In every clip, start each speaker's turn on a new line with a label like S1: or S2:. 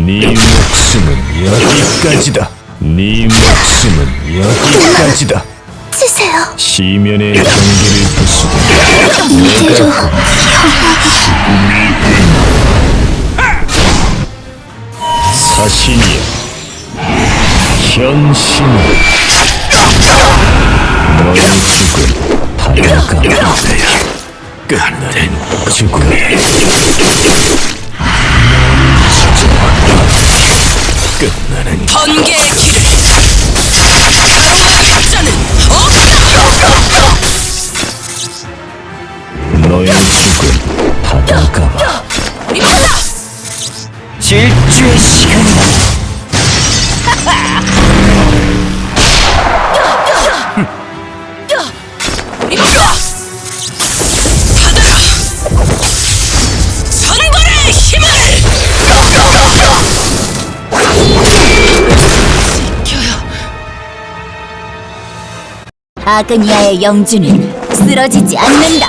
S1: 네 목숨은 여기까지다. 네 목숨은 여기까지다.
S2: 치세요.
S1: 시면의 경계를 부수고
S2: 이대로
S1: 사신이여, 현신을. 너의 죽음 다가가. 끝나는 죽음이 끝나는
S3: 번개의 길을 가로막을 자는 없다.
S1: 너의 죽음 다가가.
S3: 이거다.
S4: 질주의 시간이다.
S3: 이거다. 받아라. 선벌의 힘을. 지켜요.
S2: 아그니아의 영주는 쓰러지지 않는다.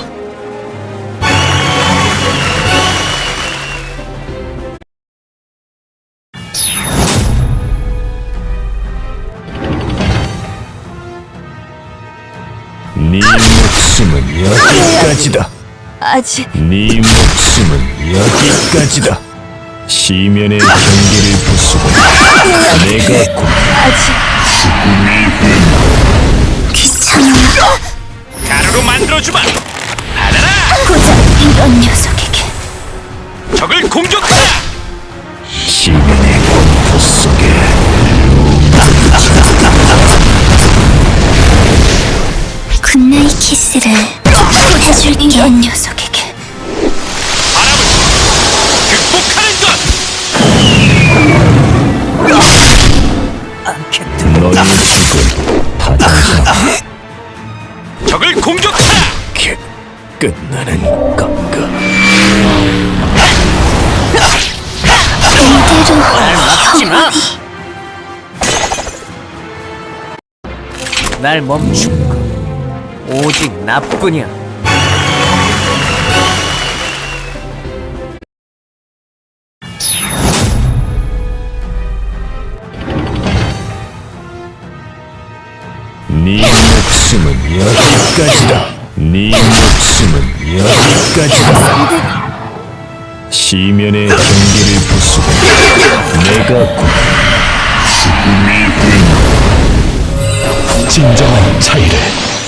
S1: 네 목숨은 여기까지다.
S2: 아직
S1: 네 목숨은 여기까지다. 시면의 경계를 부수고 내가 곧
S2: 아직 귀찮아.
S5: 가루로 만들어주마. 받아라.
S2: 고작 이런 녀석에게
S5: 적을 공격하라.
S1: 시면의 공포 속에
S2: 굿나잇 키스를 해줄 이런 녀석에게
S5: 바람을 극복하는 것.
S1: 너의 죽음 다가가.
S5: 적을 공격하라.
S1: 끝나는 건가.
S2: 이대로
S4: 막지마. 날 멈춘 것 오직 나뿐이야.
S1: 네 목숨은 여기까지다. 네 목숨은 여기까지다. 시면의 경계를 부수고 내가 곧 진정한 차이를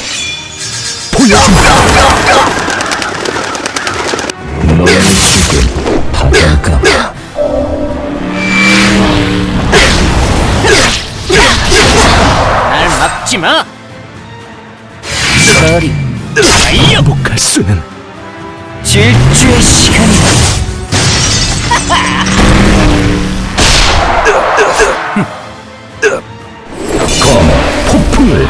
S1: 보여준다. 너의 죽음 다가가.
S4: 날 막지마. 서리
S1: 행복할 수는
S4: 질주의 시간이다.
S1: 폭풍을.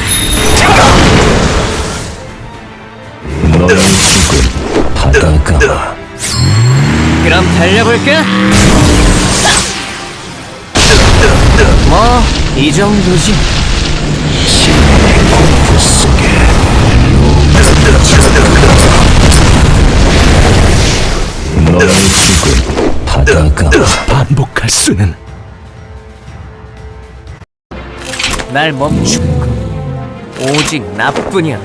S1: 너의 죽음 다가가.
S4: 그럼 달려볼까? 뭐 이 정도지.
S1: 공포 속에 너의 죽음 다가가. 반복할 수는
S4: 날 멈춘 것 오직 나뿐이야.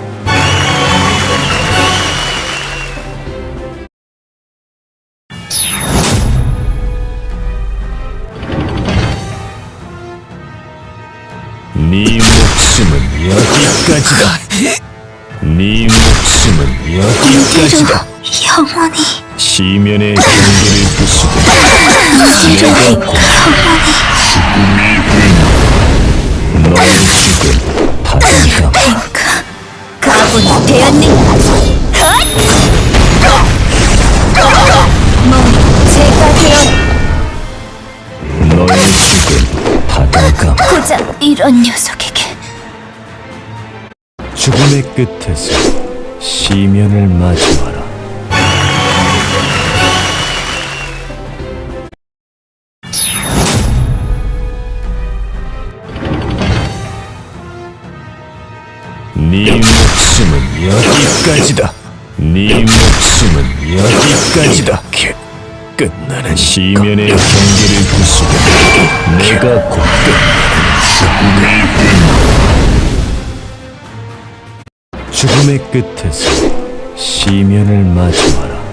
S1: 네 목숨은 여기까지다. 네 목숨은 여기까지다.
S2: 영원히
S1: 시면의 경계를 부수고
S2: 이대로
S1: 너의 죽음 다가가.
S2: 탱크 가군이 되었느냐. 뭐 제가 되었
S1: 너의 죽음 다가가.
S2: 고작 이런 녀석에게
S1: 죽음의 끝에서 시면을 마주하라. 네 목숨은 여기까지다. 네 목숨은 여기까지다. 끝나는 시면의 경계를 부수고 내가 곧 끝 죽음의 끝에서 시면을 마주하라.